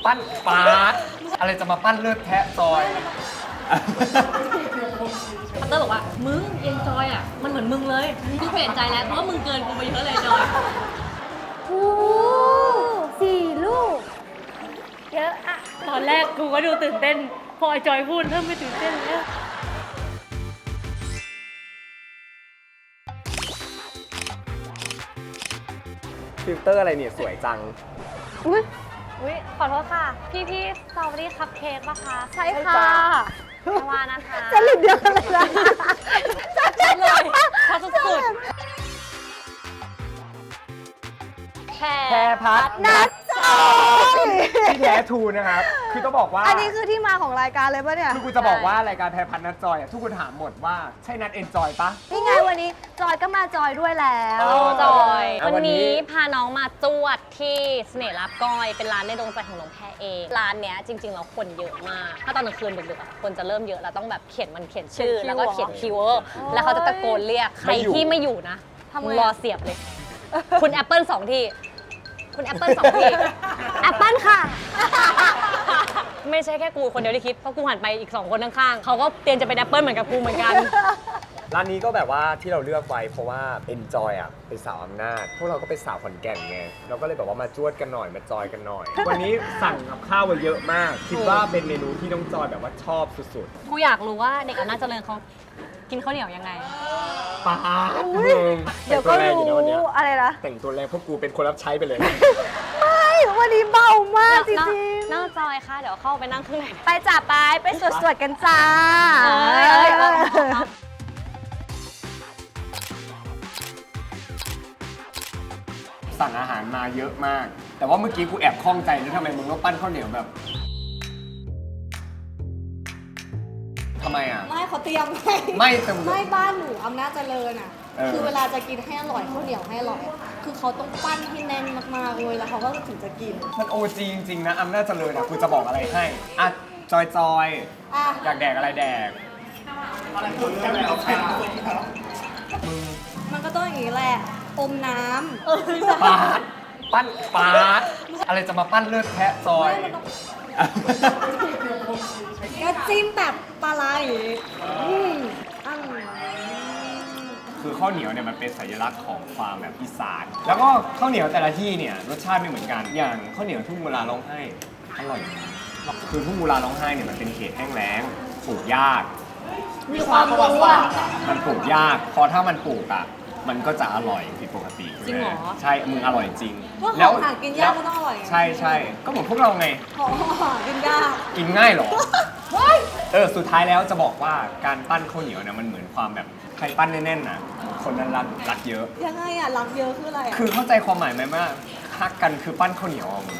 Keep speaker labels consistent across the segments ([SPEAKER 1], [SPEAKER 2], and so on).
[SPEAKER 1] ปั้นปาดอะไรจะมาปั้นเลือดแทะซอย
[SPEAKER 2] พัตเตอร์บอกว่ามึงเอนจอยอ่ะมันเหมือนมึงเลยกูเปลี่ยนใจแล้วเพราะว่ามึงเกินกูไปเยอะเลยจอย
[SPEAKER 3] โอ้4 ลูก เยอะอะ
[SPEAKER 2] ตอนแรกกูก็ดูตื่นเต้นพอไอจอยพูดเริ่มไม่ตื่นเต้นแล้ว
[SPEAKER 1] ฟิลเตอร์อะไรเนี่ยสวยจัง
[SPEAKER 3] อุ้ย
[SPEAKER 4] อุ๊ยขอโทษค่ะ พี่สตรอเบอรี่คัพเค้กป่ะคะ
[SPEAKER 3] ใช่ค่ะ
[SPEAKER 4] ไม่ว่านะคะ
[SPEAKER 3] จะหลุดเดียวกันเลยนะ
[SPEAKER 2] เลยชอบสุด
[SPEAKER 4] แพร
[SPEAKER 1] พัด
[SPEAKER 3] นัดจอย
[SPEAKER 1] ที่แท้ทูนะครับ คือต้องบอกว่า
[SPEAKER 3] อันนี้คือที่มาของรายการเลยปะเนี่ย
[SPEAKER 1] คือกูจะบอกว่ารายการแพรพัดนัดจอยอ่ะทุกคนถามหมดว่าใช่นัดเอนจอยปะ
[SPEAKER 3] นี่ไงวันนี้จอยก็มาจอยด้วยแล้ว
[SPEAKER 4] จอย
[SPEAKER 1] เอาวั
[SPEAKER 4] วัน น
[SPEAKER 1] นี้
[SPEAKER 4] นี้พาน้องมาจวดที่เสน่ห์ลาบก้อย เป็นร้านในดวงใจของน้องแพรเอง ร้านเนี้ยจริงๆแล้วคนเยอะมาก ถ้าตอนกลางคืนดึกๆอะคนจะเริ่มเยอะแล้วต้องแบบเขียนชื่อ แล้วก็เขียนคีย์เวิร์ดแล้วเขาจะตะโกนเรียกใครที่ไม่อยู่นะมึงรอเสียบเลย คุณแอปเปิล2 ที่ คุณแอปเปิล2 ที่แอปเปิลค่ะ ไม่ใช่แค่กูคนเดียวที่คิด เพราะกูหันไปอีก2 คนข้างๆเขาก็เตรียมจะเป็นแอปเปิลเหมือนกับกูเหมือนกัน
[SPEAKER 1] ร้านนี้ก็แบบว่าที่เราเลือกไว้เพราะว่า Enjoy อ่ะเป็นสาวอำนาจพวกเราก็เป็นสาวขอนแก่นไงเราก็เลยแบบว่ามาจวดกันหน่อยมาจอยกันหน่อย วันนี้สั่งกับข้าวมาเยอะมาก คิดว่าเป็นเมนูที่น้องจอยแบบว่าชอบสุด
[SPEAKER 4] กูอยากรู้ว่าเด็กอำนาจเจริญเขากินข้าวเหนียวยังไง
[SPEAKER 1] ๆป้าด
[SPEAKER 3] เดี๋ยวก็รู้อะไรนะ
[SPEAKER 1] แต่งตัวแรงพวกกูเป็นคนรับใช้ไปเลย
[SPEAKER 3] ไม่วันนี้เบามากจริง
[SPEAKER 4] น้องจอยค่ะ เดี๋ยวเข้าไปนั่งข้างใน
[SPEAKER 3] ๆ ไปจ่าไปสวดๆกันจ้า
[SPEAKER 4] เอ้ย
[SPEAKER 1] สั่งอาหารมาเยอะมาก แต่ว่าเมื่อกี้กูแอบข้องใจนะทำไมมึงต้องปั้นข้าวเหนียวแบบทำไมอ่ะ
[SPEAKER 5] ไม่เขาเตรียมให้
[SPEAKER 1] ไม่แต่มึง
[SPEAKER 5] ไม่บ้านหนูอำนาจเจริญอ่ะ
[SPEAKER 1] เออ
[SPEAKER 5] คือเวลาจะกินให้อร่อยข้าวเหนียวให้อร่อย คือเขาต้องปั้นให้แน่นมากๆเลยแล้วเขาก็ถึงจะกิน
[SPEAKER 1] มันโอจีจริงๆนะอำนาจเจริญอ่ะกูจะบอกอะไรให้อ่ะจอย
[SPEAKER 5] อ่ะ
[SPEAKER 1] อยากแดกอะไรแดก
[SPEAKER 5] มันก็ต้องอย่างนี้แหละ อมน้ำ
[SPEAKER 1] ปาดปั้นปาดอะไรจะมาปั้นเลือดแทะซอย
[SPEAKER 5] ก็จิ้มแบบปลาไหลอืมอร่อย
[SPEAKER 1] คือข้าวเหนียวเนี่ยมันเป็นสัญลักษณ์ของความแบบอีสานแล้วก็ข้าวเหนียวแต่ละที่เนี่ยรสชาติไม่เหมือนกันอย่างข้าวเหนียวทุ่งกุลาร้องไห้อร่อยคือทุ่งกุลาร้องไห้เนี่ยมันเป็นเขตแห้งแล้งปลูกยาก
[SPEAKER 5] มีความรู้อ่ะ
[SPEAKER 1] มันปลูกยากพอถ้ามันปลูกอ่ะมันก็จะอร่อยผิดปกติ
[SPEAKER 2] จริงเหรอ
[SPEAKER 1] ใช่มึงอร่อยจริง
[SPEAKER 5] พวกของหากินยากก็ต้องอร่อย
[SPEAKER 1] ใช่ใช่ก็เหมือนพวกเราไง
[SPEAKER 5] ของหากินยาก
[SPEAKER 1] กินง่ายเหรอ สุดท้ายแล้วจะบอกว่าการปั้นข้าวเหนียวเนี่ยมันเหมือนความแบบใครปั้นแน่นๆนะคนนั้นรักเยอะ
[SPEAKER 5] ยังไงอ่ะรักเยอะคืออะไรอ่ะ
[SPEAKER 1] คือเข้าใจความหมายไหมว่าฮักกันคือปั้นข้าวเหนียวอ่ะมึง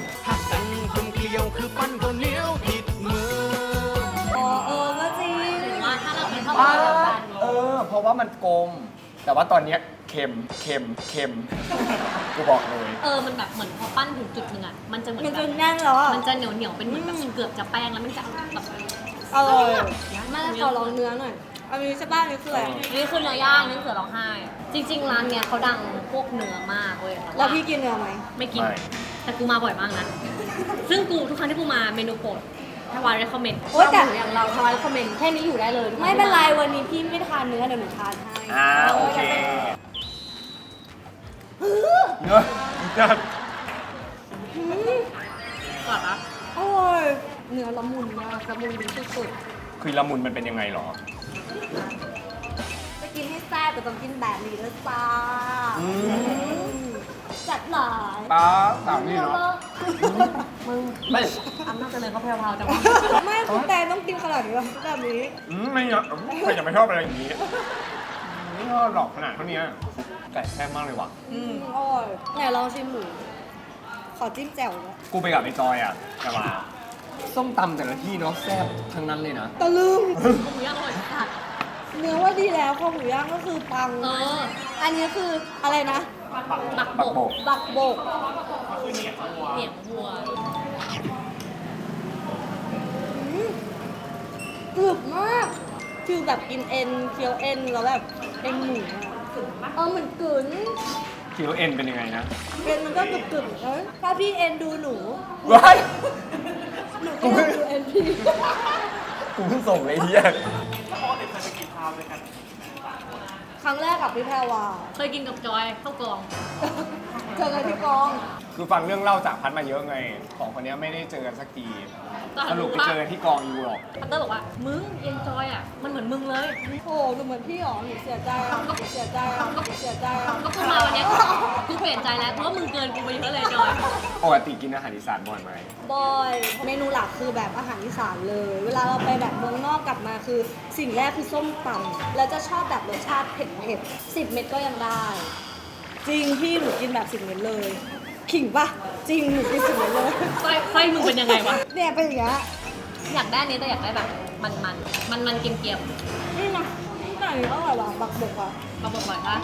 [SPEAKER 5] อ๋อก็จริง
[SPEAKER 2] ว่าถ้าเราเป็นข้าวเหนียวกัน
[SPEAKER 1] เพราะว่ามันกลม แต่ว่าตอนเนี้ยเค็มกูบอกเลย
[SPEAKER 2] มันแบบเหมือนพอปั้นถึงจุดหนึงอ่ะมันจะเหมือน
[SPEAKER 5] มัน
[SPEAKER 2] แบ
[SPEAKER 5] จะ
[SPEAKER 2] บ
[SPEAKER 5] แน่นแล้วอ่ะ
[SPEAKER 2] มันจะเหนียวเป็นเหมือนแบบเกือบจะแป้งแล้วมันจะแบบ
[SPEAKER 5] อร่อยมาแล้วขอลองเนื้อหน่อย อันนี้ใช่ป่ะอันนี้คืออะไร
[SPEAKER 2] นี่คือเนื้อย่างนี่เสือร้องไห้ จริง ๆ ร้านเนี้ยเขาดังพวกเนื้อมากเว้ย
[SPEAKER 5] แล้วพี่กินเนื้อไหม
[SPEAKER 2] ไม่กิน
[SPEAKER 1] ไม่
[SPEAKER 2] แต่กูมาบ่อยมากนะ ซึ่งกูทุกครั้งที่กูมาเมนูโปรดทวาร recommend
[SPEAKER 5] โอ๊ยแต่
[SPEAKER 2] อย่างเราทวาร recommend แค่นี้อยู่ได้เลยทุกค
[SPEAKER 5] ไม่
[SPEAKER 2] ง
[SPEAKER 5] เป็นไร
[SPEAKER 2] ที่า
[SPEAKER 5] วันนี้พี่ไม่ทานเนื้อเดี๋ยวหนูทานให้
[SPEAKER 1] โอเคเนื้อจัด
[SPEAKER 2] กรอบปะ
[SPEAKER 5] อร่อยเนื้อละมุนมากละมุนดีสุด
[SPEAKER 1] คือละมุนมันเป็นยังไงหรอ
[SPEAKER 5] ๆจะกินให้แซ่บแต่ต้องกินแบบนี้ด้วยจ้า
[SPEAKER 1] อืม
[SPEAKER 5] จัดหลาย
[SPEAKER 1] ป้าสาวนี่เนาะไม่
[SPEAKER 2] อำนาจเจริญเขาแพรวๆจังวะ
[SPEAKER 5] ไม่คุณแต่ต้องกินขนาดนี้หรอแบบนี้
[SPEAKER 1] ไม่เนาะใครจะไม่ชอบอะไรอย่างนี้ไม่ชอบหรอกขนาดเท่านี้ไก่แซ่บมากเลยว่ะ
[SPEAKER 5] อร่อยไหนลองชิมหมู ขอจิ้มแจ่วด้วย
[SPEAKER 1] กูไปกับไอ้จอยอ่ะแต่ว่าส้มตำแต่ละที่เนาะแซ่บทั้งนั้นเลยนะ
[SPEAKER 5] ตะลึง
[SPEAKER 2] หมูย่างอร่อยสัด
[SPEAKER 5] เนื้อว่าดีแล้วข้าวหมูย่างก็คือปัง อันนี้คืออะไรนะ
[SPEAKER 2] บัก
[SPEAKER 1] ปัก
[SPEAKER 2] โบ
[SPEAKER 1] โบ
[SPEAKER 2] ก
[SPEAKER 1] ก
[SPEAKER 5] บักโบก
[SPEAKER 2] เหนียงวัว
[SPEAKER 5] กรึบมาก คือแบบกินเอ็นเคี้ยวเอ็นแล้วแบบเอ็นหมูอะเหมือนกลืน
[SPEAKER 1] คิวเอ็นเป็นยังไงนะ
[SPEAKER 5] เอ็นมันก็กรึบๆถ้าพี่เอ็นดูหนู
[SPEAKER 1] ว้าย
[SPEAKER 5] ที
[SPEAKER 1] กูเพิ่งส่งเลยเฮีย
[SPEAKER 5] ครั้งแรกกับพี่แพรวา
[SPEAKER 2] เคยกินกับจอยข้าวกล่อง
[SPEAKER 5] เจอกันที่กอง
[SPEAKER 1] คือฟังเรื่องเล่าจากพัดมาเยอะไงของคนเนี้ยไม่ได้เจอกันสักทีสรุปไปเจอกันที่กองยูหรอก
[SPEAKER 2] พัตเตอร์บอกว่า มึงเอนจอยอ่ะ มันเหมือนมึงเลย
[SPEAKER 5] โอ้หนูเหมือนพี่หรอหนูเสียใจอ่ะหนูเสียใจอ่ะหนูเสียใจอ่ะ
[SPEAKER 2] ก็คือมาวันเนี้ยกูเปลี่ยนใจแล้ว เพราะว่ามึงเกินกูไปเยอะเลยจอย
[SPEAKER 1] ปกติกินอาหารอีสานบ่อยไหม
[SPEAKER 5] บอยเมนูหลักคือแบบอาหารอีสานเลย เวลาเราไปแบบเมืองนอกกลับมาคือสิ่งแรกคือส้มตำแล้วจะชอบแบบรสชาติเผ็ดๆ10 เม็ดก็ยังได้ จริงพี่หนูกินแบบ10 เม็ดเลยขิงปะจริงหนูกิน10 เม็ดเลย
[SPEAKER 2] ไส้มึงเป็นยังไงวะ
[SPEAKER 5] เนี่ยเป็นอย่างเงี้ย
[SPEAKER 2] อยากได้อันนี้แต่อยากได้แบบมันเกรียม
[SPEAKER 5] นี่นะนี่ไก่อร่อยว่ะบักบกอ่ะ
[SPEAKER 2] ๆมาบอกหน่อยนะ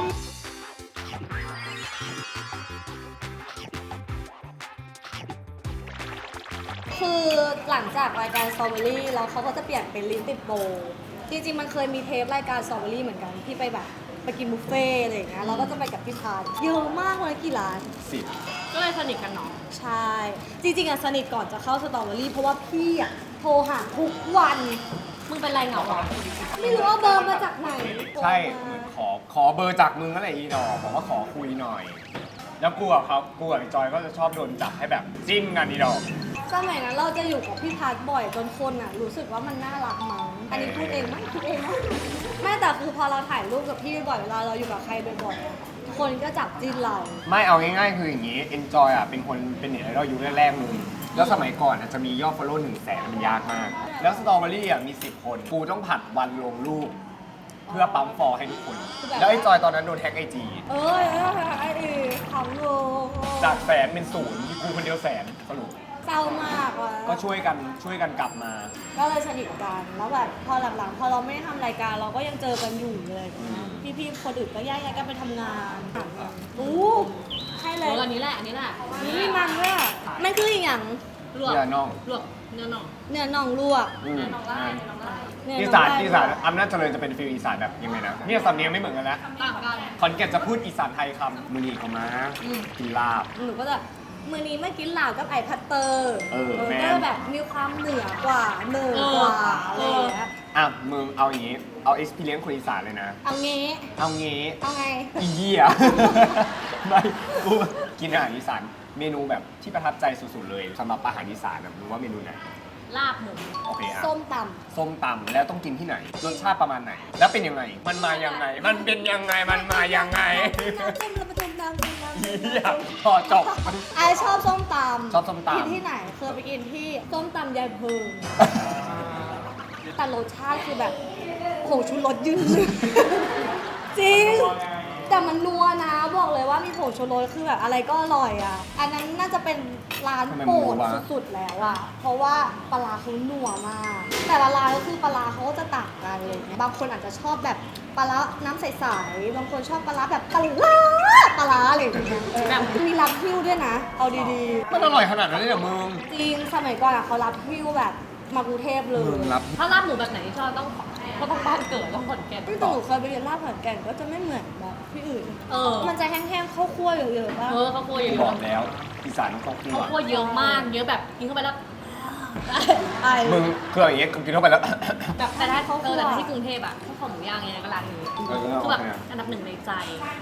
[SPEAKER 5] คือหลังจากรายการสตรอเบอรี่แล้วเขาก็จะเปลี่ยนเป็นลิ้นติดโบจริงๆมันเคยมีเทปรายการสตรอเบอรี่เหมือนกันที่ไปแบบไปกินบุฟเฟ่ต์อะไรอย่างเงี้ยเราก็จะไปกับพี่พาร์ทเยอะมากเลยกี่ร้าน
[SPEAKER 2] ก็เลยสนิทกันเนาะ
[SPEAKER 5] ใช่ จริงๆอะสนิทก่อนจะเข้าสตรอเบอรี่เพราะว่าพี่อะโทรหาทุกวัน
[SPEAKER 2] มึงเป็นไรเหงาเหรอ
[SPEAKER 5] ไม่รู้ว่าเบอร์มาจากไหน
[SPEAKER 1] ใช่เหมือนขอเบอร์จากมึงนั่นแหละอีดอกบอกว่าขอคุยหน่อย แล้วกูกับจอยก็จะชอบโดนจับให้แบบจิ้นกันอีดอก
[SPEAKER 5] สมัยนั้นเราจะอยู่กับพี่พาร์ทบ่อยจนคนอะรู้สึกว่ามันน่ารักมั้งอันนี้พูดเองมั้งพูดเองมั้งไม่แต่คือพอเราถ่ายรูปกับพี่บ่อยๆเวลาเราอยู่กับใครบ่อยๆอะคนก็จับจิ้นเรา
[SPEAKER 1] ไม่เอาง่ายๆคืออย่างนี้ Enjoy อ่ะเป็นคนเป็นเน็ตไอดอลยุคแรกๆมึงแล้วสมัยก่อนอ่ะจะมียอด follow 100,000มันยากมาก แล้วสตรอเบอรี่อ่ะมี 10 คนกูต้องผัดวันลงรูป เพื่อปั๊มฟอลให้ทุกคน แล้วไอ้จอยตอนนั้นโดนแฮ็กไอจี
[SPEAKER 5] ไอ้ขำโล
[SPEAKER 1] จากแสนเป็นศูนย์กูคนเดียวแสนสรุป
[SPEAKER 5] เศร้ามากว่ะ
[SPEAKER 1] ก็ช่วยกันกลับมา
[SPEAKER 5] ก็เลยสนิทกันแล้วแบบพอหลังๆพอเราไม่ได้ทำรายการเราก็ยังเจอกันอยู่เลยพี่ๆคนอื่นก็แยกกันไปทำงานอู้ใช่เลย
[SPEAKER 2] อันนี้แหละ อันนี้แหละ
[SPEAKER 5] นี่มันด้วยอะมันคืออีกอย่าง
[SPEAKER 2] ลวก
[SPEAKER 1] เนื้อน่อง
[SPEAKER 2] ลวกเนื้อน่อง
[SPEAKER 5] เนื้อน่องลวก
[SPEAKER 1] อืม
[SPEAKER 5] เนื้อ
[SPEAKER 1] อี
[SPEAKER 5] น่อง
[SPEAKER 1] สาน
[SPEAKER 5] ได้
[SPEAKER 1] อีสานอำนาจเจริญจะเป็นฟิลอีสานแบบยังไงนะเนี่ยสำเนียงไม่เหมือนกันแล้ว
[SPEAKER 2] ต่างกัน
[SPEAKER 1] ขอนแก่นจะพูดอีสานไทยคำมือนีเขามากินลาบ
[SPEAKER 5] หนูก็จะมือนี้เมื่อกินลาบกับไอพัตเตอร์
[SPEAKER 1] แม่
[SPEAKER 5] ก็แบบมีความเหนือกว่าเหนือกว่าอะไรอย่างเงี้ย
[SPEAKER 1] อ่ะมึงเอาอย่างงี้ เอา experience คนอีสานเลยนะ
[SPEAKER 5] เอางี้
[SPEAKER 1] เอางี้
[SPEAKER 5] เอาไง
[SPEAKER 1] อีเหี้ย ไม่กูกินอาหารอีสานเมนูแบบที่ประทับใจสุดๆเลยสำหรับอาหารอีสานนะมึงว่าเมนูไหน
[SPEAKER 2] ลาบหมู
[SPEAKER 1] โอเคอ่ะ
[SPEAKER 5] ส้มต
[SPEAKER 1] ส้มตำแล้วต้องกินที่ไหนรสชาติประมาณไหน แล้วเป็นยังไง มันมายังไง มันเป็นยังไงมันมายังไง
[SPEAKER 5] ำ
[SPEAKER 1] เหี้ยพอจบ
[SPEAKER 5] ไอชอบส้มตำ
[SPEAKER 1] ชอบส้มตำ
[SPEAKER 5] กินที่ไหนเคยไปกินที่ส้มตำยายเพิงแต่รสชาติคือแบบผงชูรสยืนหนึ่งจริง แต่มันนัวนะบอกเลยว่ามีผงชูรสคือแบบอะไรก็อร่อยอ่ะ อันนั้นน่าจะเป็นร้านโปรดสุดๆแล้วอ่ะ เพราะว่าปลาร้าเขานัวมาก แต่ละร้านก็คือปลาร้าเขาก็จะต่างกันเลย บางคนอาจจะชอบแบบปลาร้าน้ำใสๆ บางคนชอบปลาร้าแบบปลาร้าอะไรอย่างเงี้ยแบบมีรับหิ้วด้วยนะ เอาดี
[SPEAKER 1] มันอร่อยขนาดนั้นเลยเหรอมึง
[SPEAKER 5] ๆ จริง สมัยก่อนอะเขารับหิ้วแบบมากรุงเทพเล
[SPEAKER 1] มึ
[SPEAKER 5] ย
[SPEAKER 1] งรับ
[SPEAKER 2] ถ้าลาบหมูแบบไหนที่ชอบต้องก็ต้องบ้านเกิดต้องขอนแก่น
[SPEAKER 5] แต่หนูเคยไปเรียนลาบขอนแก่นก็จะไม่เหมือนแบบที่อื่น
[SPEAKER 2] เออ
[SPEAKER 5] มันจะแห้งๆข้าวคั่วเยอะๆป่ะ
[SPEAKER 2] ข้าวคั่วเย
[SPEAKER 1] บอ
[SPEAKER 2] อะ
[SPEAKER 1] กแล้วอีสานต้องครอบครั
[SPEAKER 2] ข้าว
[SPEAKER 1] ว
[SPEAKER 2] คั่วเยอะมาก เยอะแบบกินเข้าไปแล้ว
[SPEAKER 5] ไอ้
[SPEAKER 1] มึงคืออย่างเงี้ยกินเข้าไปแล้ว
[SPEAKER 2] แบบแต่ถ้าแต่ที่กรุงเทพอะข้าวขาหมูย่างไงก็ร้านนี้
[SPEAKER 1] เออ
[SPEAKER 2] คือแบบ
[SPEAKER 1] โอเค
[SPEAKER 2] อันดับหนึ่งในใจ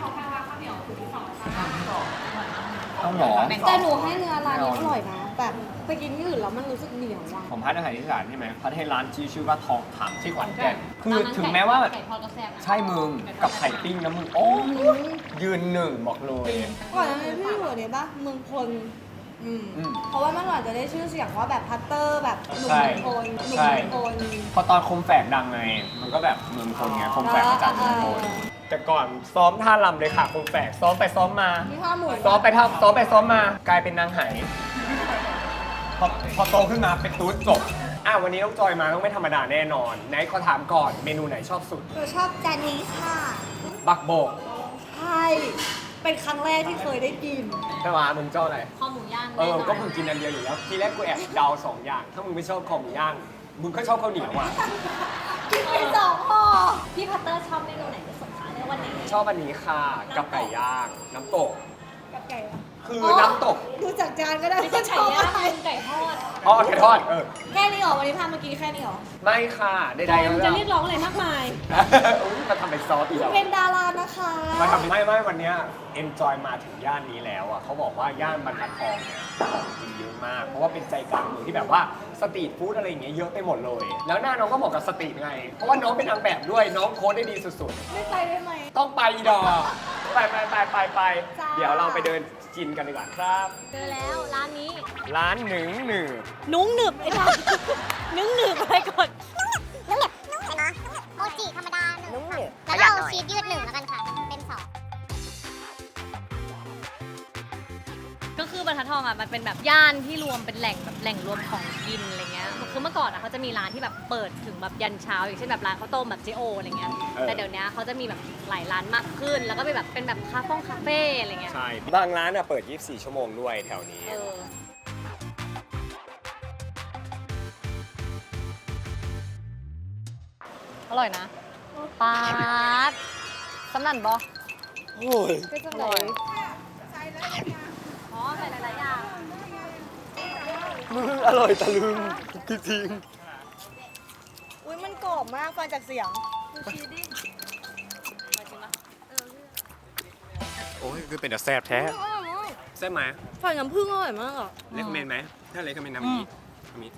[SPEAKER 1] เอาหรอ
[SPEAKER 5] แต่หนูให้เนื้อร้านนี้อร่อยนะ แบบไปกินที่อื่นแล้วมันรู้สึกเหนียวว่ะ
[SPEAKER 1] ผมพัดอาหารอีสานใช่ไหมพัดให้ร้านชื่อว่าทองถังที่ขอนแก่นคือ
[SPEAKER 2] ร้านนั้น
[SPEAKER 1] ถึงแม้ว่า
[SPEAKER 2] ไก่ทอดก็แซ่บนะ
[SPEAKER 1] ใช่มึงกับไข่ปิ้งนะมึง โอ้ยืนหนึ่งบอกเลย
[SPEAKER 5] ก่อนหน้านี้พี่อยู่เนี่ยปะเมืองพล
[SPEAKER 1] อืม
[SPEAKER 5] เพราะว่าเมื่อก่อนจะได้ชื่อเสียงว่าแบบพัตเตอร์แบบหนุ่ม
[SPEAKER 1] ใช่
[SPEAKER 5] เมืองพลหนุ่ม
[SPEAKER 1] ใช่
[SPEAKER 5] เมืองพล
[SPEAKER 1] พอตอนคมแฝกดังไง มันก็แบบเมืองคนไงคมแฝกมาจากเมืองคนแต่ก่อนซ้อมท่ารำเลยค่ะคมแฝกซ้อมไปซ้อมมา
[SPEAKER 5] มีข้าวหมู
[SPEAKER 1] ซ้อมไปซ้อมมากลายเป็นนางไหพอโตขึ้นมาเป็นตูดจบวันนี้น้องจอยมาต้องไม่ธรรมดาแน่นอนไหนขอถามก่อนเมนูไหนชอบสุด
[SPEAKER 5] หนูชอบจานนี้ค่ะ
[SPEAKER 1] บักโบก
[SPEAKER 5] ใช่ เป็นครั้งแรกที่เคยได้กิน
[SPEAKER 1] ใช่ไหมมึงเจ้าอะไร
[SPEAKER 2] ข้าวหมูย่าง
[SPEAKER 1] เอ
[SPEAKER 2] แน่
[SPEAKER 1] อน
[SPEAKER 2] อน
[SPEAKER 1] ก็มึงกินอันเดียวอยู่แล้ว ทีแรกกูแอบเดา2 อย่าง ถ้ามึงไม่ชอบคอหมูย่าง มึงก็ชอบข้าวเหนียวอ่ะ
[SPEAKER 5] กินไปสองห่อ
[SPEAKER 2] พี่พัตเตอร์ชอบเมนูไหนที่สุดคะในวันนี้
[SPEAKER 1] ชอบอันนี้ค่ะ กับไก่ย่าง น้ำตก
[SPEAKER 5] กับไก่อะ
[SPEAKER 1] คือน้ำตก
[SPEAKER 5] ดูจากจานก็ได้
[SPEAKER 2] ไม่ใช่ไก่ย่างเป็นไก่ทอด
[SPEAKER 1] อ๋อไก่ทอด
[SPEAKER 5] แค่นี้เหรอวันนี้พามากินแค่นี้เหรอ
[SPEAKER 1] ไม่ค่ะใด
[SPEAKER 2] จอย
[SPEAKER 1] ๆ
[SPEAKER 2] มันจะเรียกร้องอะไรมากมาย
[SPEAKER 1] อุ๊ยมาทำเป็นซอสอีกแล้ว
[SPEAKER 5] เป็นดารานะคะ
[SPEAKER 1] มาทำไม่วันเนี้ย Enjoy มาถึงย่านนี้แล้วอ่ะเขาบอกว่าย่านบรรทัดทองเนี่ยของกินเยอะมาก เพราะว่าเป็นใจกลางเมืองที่แบบว่าสตรีทฟู้ดอะไรอย่างเงี้ยเยอะไปหมดเลย แล้วหน้าน้องก็เหมาะกับสตรีทไง เพราะว่าน้องเป็นนางแบบด้วยน้องโค้ดได้ดีสุด
[SPEAKER 5] ไม่ไปได้ไหม
[SPEAKER 1] ๆ ต้องไปอีดอกไป
[SPEAKER 5] จ้า
[SPEAKER 1] เดี๋ยวเราไปเดินกินกันดีกว่าครับ
[SPEAKER 2] เจอแล้วร้านนี้
[SPEAKER 1] ร้านหนึ่ง
[SPEAKER 2] นุ้งหนึบไอ้ดาวนุ้งหนึบอะไรก่อน
[SPEAKER 3] นุ่มเหนียวนุ่มเหนียวนะโมจิธรรมดาหนึ่งค่ะแล้วก็เอาชีสยืดหนึ่งแล้วกันค่ะ เป็นสอง
[SPEAKER 2] ก็คือบรรทัดทองอ่ะมันเป็นแบบย่านที่รวมเป็นแหล่งแบบแหล่งรวมของกินอะไรเงี้ยคือเมื่อก่อนอ่ะเขาจะมีร้านที่แบบเปิดถึงแบบยันเช้าอย่างเช่นแบบร้านข้าวต้มแบบเจโออะไรเงี้ยแต่เดี๋ยวนี้เขาจะมีแบบหลายร้านมากขึ้น แล้วก็เป็นแบบคาเฟ่อะไรเงี้ย
[SPEAKER 1] ใช่ บางร้านอ่ะเปิด 24 ชั่วโมงด้วยแถวนี้
[SPEAKER 2] เออ
[SPEAKER 4] อร่อยนะปาดสำนันบอ
[SPEAKER 1] โอ้ย
[SPEAKER 4] ก็จะเลยอ๋อใส่หลายๆอย่าง
[SPEAKER 1] มึงอร่อยตะลึงจริง
[SPEAKER 5] อุ้ยมันกรอบมากฟังจากเสียง
[SPEAKER 1] โอ้ยคือเป็นแต่แซ่บแท้แซ่บไหม
[SPEAKER 5] ฟังน้ำผึ้งอร่อยมากอ่ะ
[SPEAKER 1] เลคเมนไหมถ้าเลคเมนทำอย่างนี้ทำนี้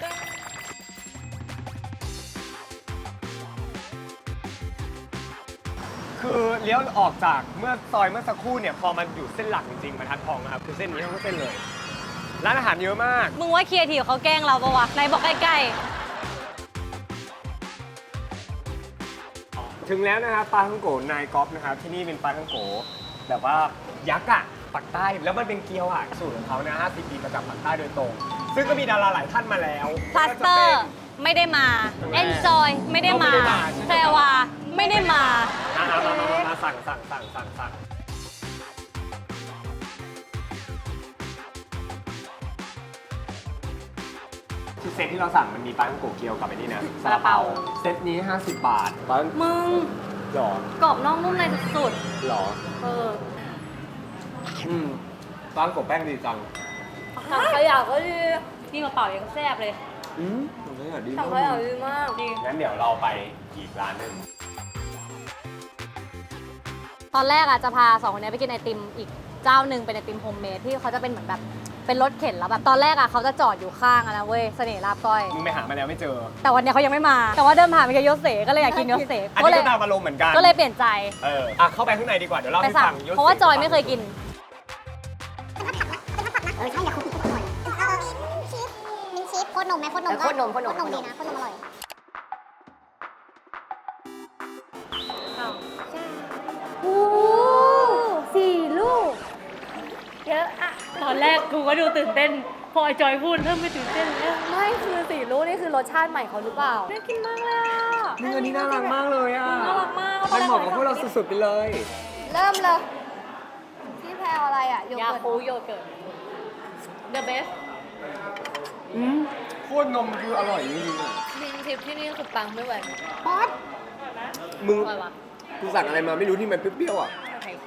[SPEAKER 1] คือเลี้ยวออกจากเมื่อซอยเมื่อสักครู่เนี่ยพอมันอยู่เส้นหลักจริงๆบรรทัดทองนะครับคือเส้นนี้ทั้งเส้นเลย ร้านอาหารเยอะมาก
[SPEAKER 4] มึงว่าครีเอทีฟเขาแกล้งเราปะวะไหนบอกใกล้
[SPEAKER 1] ถึงแล้วนะครับปลาท่องโกนายก๊อฟนะครับที่นี่เป็นปลาท่องโกแบบว่ายักษ์อะปักใต้แล้วมันเป็นเกี๊ยวอะสูตรของเขานะ50 ปีมาจากปักใต้โดยตรง ซึ่งก็มีดาราหลายท่านมาแล้ว
[SPEAKER 4] ๆพลาสเตอร์ไม่ได้มา Enjoy ไม่ได้มาแพรวาไม่ได้มา
[SPEAKER 1] มาสั่งที่เซตที่เราสั่งมันมีปลาท่องโกเกี๊ยวกับไอ้นี่นะ
[SPEAKER 4] ซาลาเปา
[SPEAKER 1] เซตนี้ 50 บาทปลา
[SPEAKER 2] มึง
[SPEAKER 1] หรอก
[SPEAKER 2] รอบนอกนุ่มในสุด
[SPEAKER 1] หรอ
[SPEAKER 2] ๆเออ
[SPEAKER 1] ปลาท่องโกแป้งดีจัง
[SPEAKER 2] ถังขยะก็ดีนี่มาเป่ายังแซ่บเลย
[SPEAKER 1] ตรงนี้ดี
[SPEAKER 2] ถังขยะดีมากดี
[SPEAKER 1] งั้นเดี๋ยวเราไปอีกร้านหนึ่ง
[SPEAKER 4] ตอนแรกอะจะพาสองคนนี้ไปกินไอติมอีกเจ้าหนึ่งเป็นไอติมโฮมเมดที่เขาจะเป็นเหมือนแบบเป็นรถเข็นแล้วแบบตอนแรกอะเขาจะจอดอยู่ข้างอะนะเว้ยเสน่ห์ลาบก้อย
[SPEAKER 1] มึงไปหามาแล้วไม่เจอ
[SPEAKER 4] แต่วันนี้เขายังไม่มา แต่ว่าเดินผ่านไปแค่ยศเสก็เลยอยากกินยศเส
[SPEAKER 1] อัน
[SPEAKER 4] ก็
[SPEAKER 1] นี้
[SPEAKER 4] เลย
[SPEAKER 1] ก็ตามอารมณ์เหมือนกัน
[SPEAKER 4] ก็เลยเปลี่ยนใจ
[SPEAKER 1] เข้าไปข้างในดีกว่า เดี๋ยวเล่า
[SPEAKER 4] ไป
[SPEAKER 1] ให้
[SPEAKER 4] สั่
[SPEAKER 1] ฟั
[SPEAKER 4] ง
[SPEAKER 1] ง
[SPEAKER 4] เพราะว่าจอยไม่เคยกิน
[SPEAKER 3] เออใช่อยากคุกกี้อร่อยมีชีสโคตรนมไหมโคตรนมโคตรนมดีนะโคตรนมอร่อย โอ้4 ลูก เยอะอะ
[SPEAKER 2] ตอนแรกกูก็ดูตื่นเต้น พอไอ้จอยพูดเริ่มไม่ตื่นเต้นแล้ว
[SPEAKER 5] ไม่คือ4 ลูกนี่คือรสชาติใหม่เขาหรือเปล่า
[SPEAKER 2] น่ากินมากเลยอ่ะ
[SPEAKER 1] มึงอันนี้น่ารักมากเลยอ่ะ
[SPEAKER 2] น่ารักมาก
[SPEAKER 1] มันเหมาะกับพวกเราสุดๆไปเลย
[SPEAKER 5] เริ่มเลย พี่แพรวอะไรอ่ะโย
[SPEAKER 2] ยา
[SPEAKER 5] เกิร์ต
[SPEAKER 2] คูโยเกิร์ต The best
[SPEAKER 1] โคตรนมคืออร่อยจริงๆอ่ะ
[SPEAKER 2] มินทิปที่นี่คือปังไม่ไหว
[SPEAKER 5] ป๊อต
[SPEAKER 1] มึง
[SPEAKER 2] อร่อยวะ
[SPEAKER 1] กูสั่งอะไรมาไม่รู้ที่มันเปรี้ยวๆอ่ะ
[SPEAKER 2] ไข่คี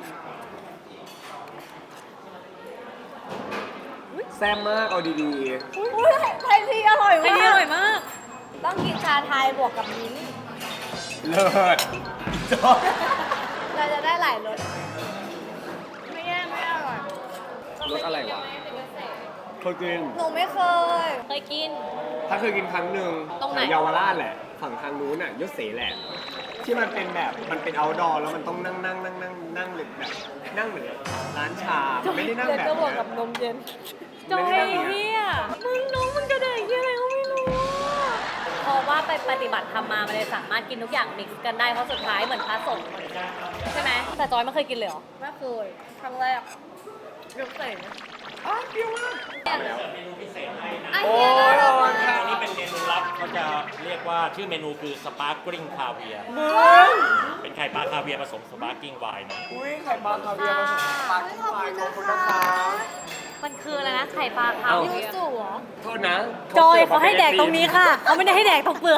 [SPEAKER 1] แซ่บมากเอาดี
[SPEAKER 5] อุ้ยไทยทีอร่อย
[SPEAKER 2] ไข่
[SPEAKER 5] มา
[SPEAKER 2] นี่อก ร่อยมาก
[SPEAKER 5] ต้องกินชาไทยบวกกับมิ้นท์
[SPEAKER 1] ๆ เลิศอีจอย
[SPEAKER 5] เราจะได้หลายรส ไม่แย่ไม่อร่อย
[SPEAKER 1] รสอะไรวะเคยกิน
[SPEAKER 5] หนูไม่เคย
[SPEAKER 2] เคยกิน
[SPEAKER 1] ถ้าเคยกินครั้งหนึ่ง
[SPEAKER 2] ตรงไหน
[SPEAKER 1] แถวเยาวราชแหละ ฝั่งทางนู้นน่ะยศเสแหละ ที่มันเป็นแบบมันเป็นเอาดอร์แล้วมันต้องนั่งเลยแบบนั่งเหมือนร้านชาไม่ได้นั่งแบบ
[SPEAKER 5] ก็บวก
[SPEAKER 1] เนี้
[SPEAKER 5] กับนมเย็น
[SPEAKER 2] จอย
[SPEAKER 1] ไม่ได้นั่ง
[SPEAKER 2] เฮียมึงน้องมันกระเด็นเฮียอะไรก็ไม่รู้อะเพราะว่าไปปฏิบัติธรรมมามันเลยสามารถกินทุกอย่างมิกซ์กันได้เพราะสุดท้ายเหมือนพระสงฆ์ใช่ไหมแต่จอยไม่เคยกินเลยเหรอ
[SPEAKER 5] ไม่เคยครั้งแรก
[SPEAKER 2] ยกเสร็จ
[SPEAKER 1] อ้าวเปรี้ยวมาก
[SPEAKER 5] ไอ้
[SPEAKER 1] โอ้
[SPEAKER 5] เหี้ย
[SPEAKER 1] ย
[SPEAKER 5] น่า
[SPEAKER 1] ระวั
[SPEAKER 5] รั
[SPEAKER 1] ง
[SPEAKER 5] ก
[SPEAKER 1] ค่ะ
[SPEAKER 6] อันนี้เป็นเมนูลับเขาจะเรียกว่าชื่อเมนูคือสปาร์กริงคาเวียร์
[SPEAKER 1] มึง
[SPEAKER 6] เป็นไข่ปลาคาเวียร์ผสมสปาร์กิ้งไวน์นะ
[SPEAKER 1] อุ้ยไข่ปลาคาเวียร์ผสมปลาที่วายขอบคุณนะคะ
[SPEAKER 2] มันคืออะไรนะไข่ปลาขาว
[SPEAKER 5] ยูสุเหรอ
[SPEAKER 1] โทษนะ
[SPEAKER 2] จอยเขาให้แดกตรงนี้ค่ะเขาไม่ได้ให้แดกตรงเปลือก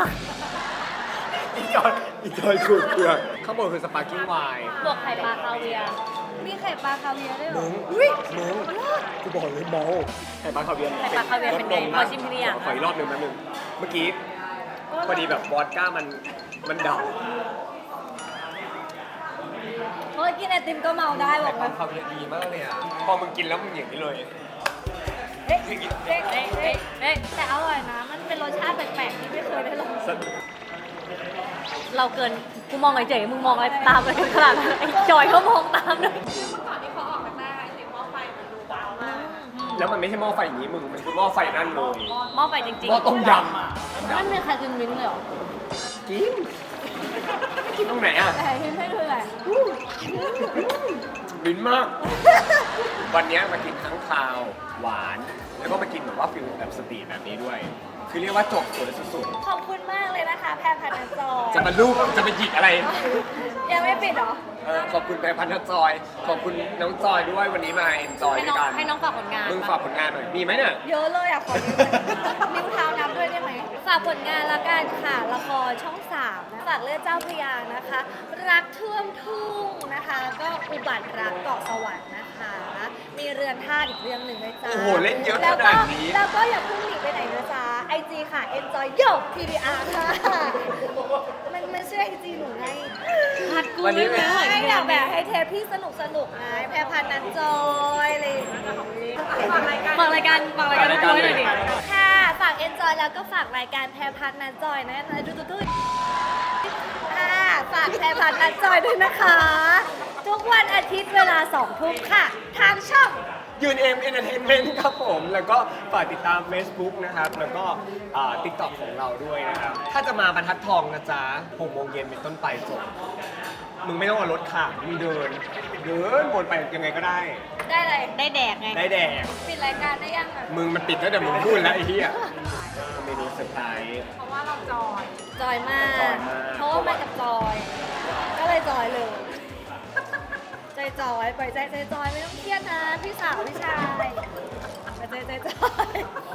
[SPEAKER 1] อีจอยขูดเปลือกข้างบนคือสปาร์กิ้งไวน์
[SPEAKER 2] บวกไข่ปลาคาเวียร์มีไข่ปลาคาเวียร์ด้วยเหรอ
[SPEAKER 1] มึงกูบอกเลยเมาไข่ปลาคาเวียร์
[SPEAKER 2] ไข่ปลาคาเวียร์เป็นไงขอชิมทีละอย่าง
[SPEAKER 1] ขออีกรอบหนึ่งแป๊บนึงเมื่อกี้พอดีแบบวอดก้ามันดับ
[SPEAKER 2] เฮ้ยกินไอติมก็เมาได้บ
[SPEAKER 1] ไข่
[SPEAKER 2] อก
[SPEAKER 1] ปลา
[SPEAKER 2] ว่า
[SPEAKER 1] คาเวียร์ดีมากเลยอ่ะพอมึงกินแล้วมึงอย่างนี้เลย
[SPEAKER 2] เฮ้ยเฮ้ยเฮ้ยเฮ้ยเฮ้ยแต่อร่อยนะ มันเป็นรสชาติแปลกๆที่ไม่เคยได้ลอง เราเกินกูมองเฉยๆมึงมองอะไรตามไปขนาดนั้นไอ้จอยเขามองตามด้วย
[SPEAKER 1] แล้วมันไม่ใช่หม้อไฟอย่างนี้มึงมันคือหม้อไฟนั่นเลย
[SPEAKER 2] หม้อไฟจริง
[SPEAKER 1] หม้อต้มยำอ่ะ
[SPEAKER 2] มันมีใครกินมิ้นท์เลยเหรอ
[SPEAKER 1] กินกินตรงไหนอ่ะ
[SPEAKER 2] แต่ที่ไม่คืออะไร
[SPEAKER 1] ลิ้นมาก วันเนี้ยมากินทั้งคาวหวาน แล้วก็มากินแบบว่าฟิลแบบสตรีทแบบนี้ด้วย คือเรียกว่าจบสวยสุด
[SPEAKER 2] ขอบคุณมากเลยนะคะ แพรพันธ์จอย
[SPEAKER 1] ๆจะมาลูกจะมาหยิกอะไร
[SPEAKER 2] ยังไม่ปิดเหรอ
[SPEAKER 1] ขอบคุณแพรพันธ์จอย ขอบคุณน้องจอยด้วยวันนี้มาเอ็นจอย
[SPEAKER 2] ให้
[SPEAKER 1] ด้
[SPEAKER 2] น้
[SPEAKER 1] ว
[SPEAKER 2] อง
[SPEAKER 1] ยกัน
[SPEAKER 2] ให้น้องฝากผลงาน
[SPEAKER 1] มึงฝากผลงานหน่อย มีไหมเนี่ย
[SPEAKER 2] เยอะเลยอ่ะ ขอนิ้วเท้านับด้วยได้ไหม ฝากผลงานละกันค่ะ ละครช่อง 3 นะ ฝากเลือดเจ้าพระยานะคะ รักท่วมทุ่งนะคะ ก็อุบัติรักเกาะสวรรค์นะคะ มีเรือนธาตุอีกเรื่องหนึ่งด้วยจ้า
[SPEAKER 1] โอ้โหเล่นเยอะขนาดนี้
[SPEAKER 2] แล้วก็อย่าเพิ่งหนีไปไหนนะจ๊ะ IG ค่ะ enjoy yo TDR ค่ะ มันชื่อ IG หนูไง
[SPEAKER 1] วันนี้เป็น
[SPEAKER 2] ให้แบบให้เทปพี่สนุกไงแพรพันธ์นันจอยอะไรอย่างงี้ฝากรายการด้วยหน่อยดิค่ะ ฝาก enjoy แล้วก็ฝากรายการแพรพันธ์นันจอยนะดูค่ะฝากแพรพันธ์นันจอยด้วยนะคะ ทุกวันอาทิตย์เวลา 2 ทุ่มค่ะ ทางช่อง
[SPEAKER 1] ยืนเอ็มเอนเตอร์เทนเมนต์ครับผม แล้วก็ฝากติดตาม Facebook นะครับ แล้วก็TikTok ของเราด้วยนะครับ ถ้าจะมาบรรทัดทองนะจ๊ะ6 โมงเย็นเป็นต้นไปจบ มึงไม่ต้องเอารถค่ะมึงเดินวนไปยังไงก็ได้
[SPEAKER 2] ได้เลยได้แดกไง
[SPEAKER 1] ได้แดก
[SPEAKER 2] ปิดรายการได้ยังอ่ะ
[SPEAKER 1] มึงมันปิดตั้งแต่มึงพูดแล้วไอ้เหี้ยเมนูเซอร์ไพรส์
[SPEAKER 2] จอยมาก
[SPEAKER 1] จอยมาก
[SPEAKER 2] เพราะว่ามากับจอย ก็เลยจอยเลย จอยปล่อยใจจอยไม่ต้องเครียดนะ พี่สาวพี่ชายปล่อยใจจอย